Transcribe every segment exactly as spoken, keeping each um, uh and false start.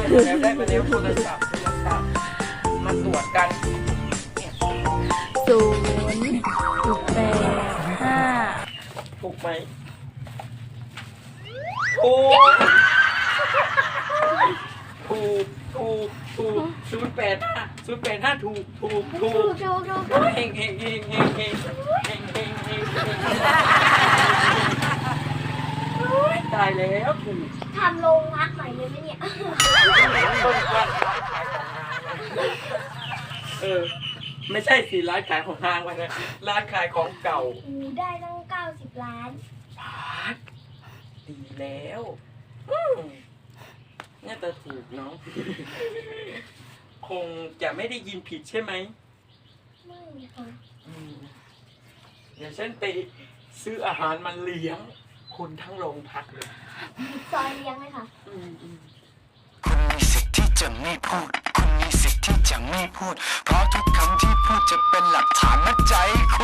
แล้วได้มาแล้วโทรศัพท์โทรศัพท์มาตรวจกันเนี่ยศูนย์แปดห้าถูกไหมถูกถูกถูกถูกศูนย์แปดห้าศูนย์แปดห้าถูกถูกถูถูกกถูกถูกเฮงเฮงเฮงเฮงเฮงเฮงเฮงเฮงตายแล้วถูกทำโรงพักใหม่เลยไหมเนี่ยต้นว่าร้านขายของนางเออไม่ใช่สิร้านขายของนางวะนะร้านขายของเก่าอูได้ตั้งเก้าสิบล้านพาดดีแล้วอืมน่าจะถูกเนาะคงจะไม่ได้ยินผิดใช่ไหมไม่ค่ะอืมเดี๋ยวฉันไปซื้ออาหารมาเลี้ยงคนทั้งโรงพักเลยซอยเลี้ยงเลยค่ะอืมอืมคุณมีสิทธิ์ที่จะไม่พูด คุณมีสิทธิ์ที่จะไม่พูด เพราะทุกคำที่พูดจะเป็นหลักฐานมัดใจคุณ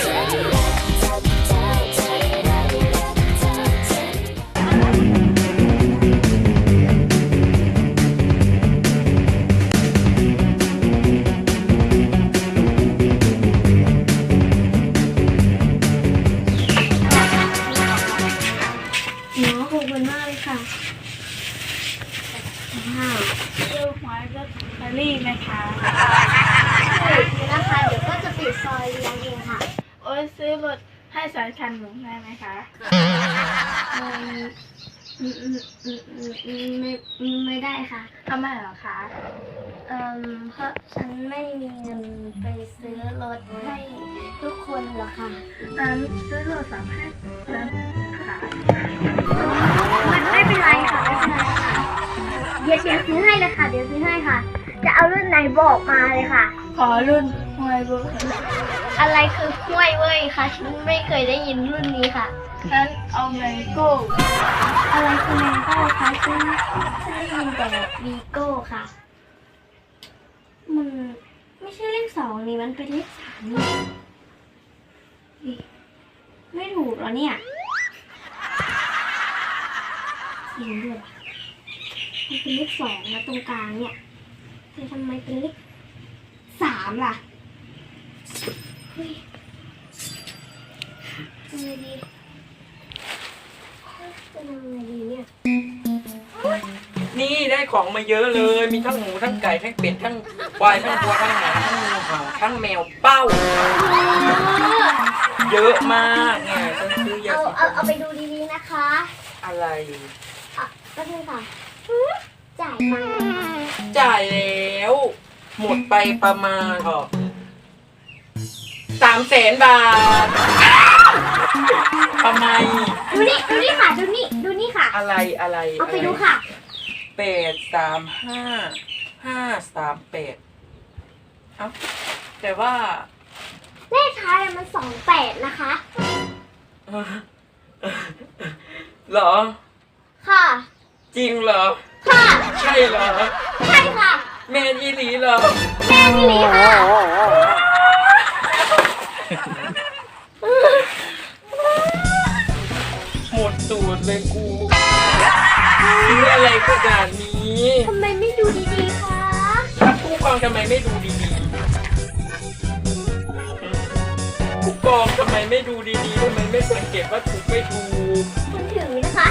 หมอขอบคุณมากเลยค่ะว้าวซื้อหวยลอตเตอรี่ไหมคะเดี๋ยวนะคะเดี๋ยวก็จะปิดซอยเลี้ยงเองค่ะโอ้ยซื้อรถให้สายคันหนูได้ไหมคะอืมอืมอืมอืมอืมอืมไม่อืมไม่ได้ค่ะทำไมเหรอคะเอ่อเพราะฉันไม่มีเงินไปซื้อรถให้ทุกคนหรอกค่ะนั้นซื้อโทรศัพท์ให้แล้วค่ะมันไม่เป็นไรค่ะไม่เป็นไรค่ะเดี๋ยวเดี๋ยวซื้อให้เลยค่ะ เดี๋ยวซื้อให้ค่ะ จะเอารุ่นไหนบอกมาเลยค่ะขอรุ่นหวยเบอร์อะไรคือห้วยเว้ยคะฉันไม่เคยได้ยินรุ่นนี้ค่ะนั้นเอาไงโก้อะไรคือแมงโก้คะฉันฉันได้ยินแต่วีโก้ค่ะ มันไม่ใช่เลขสองนี่มันเป็นเลขสามนี่นี่ไม่ถูกเหรอเนี่ยจริงด้วยว่ะมันเป็นเลขสองนะตรงกลางเนี่ยแต่ทำไมเป็นเลขสามล่ะเฮ้ยทำไงดีจะทำไงดีเนี่ยนี่ได้ของมาเยอะเลย มีทั้งหมูทั้งไก่ทั้งเป็ดทั้งควายทั้งวัวทั้งหมาทั้งงูเห่าทั้งแมวเป้า เยอะมากเนี่ยฉันซื้อเยอะเอาสิเอาเอาไปดูดีๆนะคะอะไรอ่ะก็คือค่ะจ่ายมาจ่ายแล้ว หมดไปประมาณเออสามแสนบาททำไมดูนี่ดูนี่ค่ะดูนี่ดูนี่ค่ะอะไรอะไรเอาไปดูค่ะแปดสามห้าห้าสามแปดเอ้าแต่ว่าเลขท้ายอะมันสองแปดนะคะเออเหรอค่ะจริงเหรอค่ะใช่เหรอใช่ค่ะแมนอีหลีเหรอแม่นี่หลีค่ะหมดตูดเลยกูซื้ออะไรขนาดนี้ทำไมไม่ดูดีๆคะผู้กองทำไมไม่ดูดีๆผู้กองทำไมไม่ดูดีๆทำไมไม่สังเกตว่าถูกไม่ถูกคุณถือนะคะ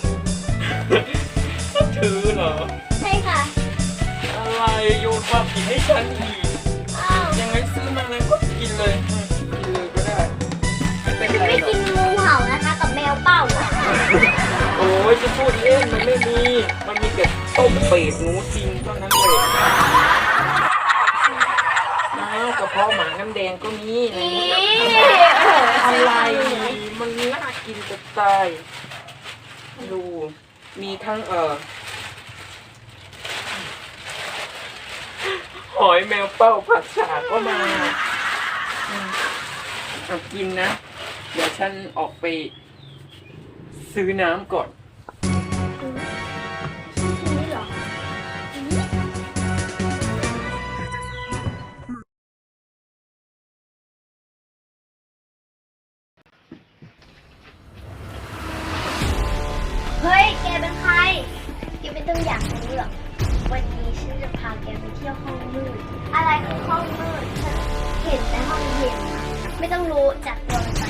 ถือเหรอใช่ค่ะอะไรโยนความผิดให้ฉันอีกอ้าวยังไงซื้อมาเลยก็กินเลยอืมกินเลยก็ได้ไม่เป็นไรไม่หรอกิกนงูเห่านะคะ กับแมวเป้าอะโอ้ยจะพูดเล่นมันไม่มี มันมีแต่ต้มเป็ดหนูจริงเท่านั้นเลยอ้าวกระเพาะหมาน้ำแดงก็มีอะไรอีเงี้ยโอ้โหอะไร มันน่ากินจะตาย ดู มีทั้งเอ่อ หอยแมวเป้าผัดฉาก็มาอืมเอากินนะ เดี๋ยวฉันออกไปซื้อน้ำก่อนกินนี่เหรอ เฮ้ย แกเป็นใคร แกไม่ต้องอยากรู้หรอก ไว้ที่ยวห้องมืดอะไรคือห้องมืดฉันเห็นแต่ห้องเย็นอะไม่ต้องรู้จักตัวมัน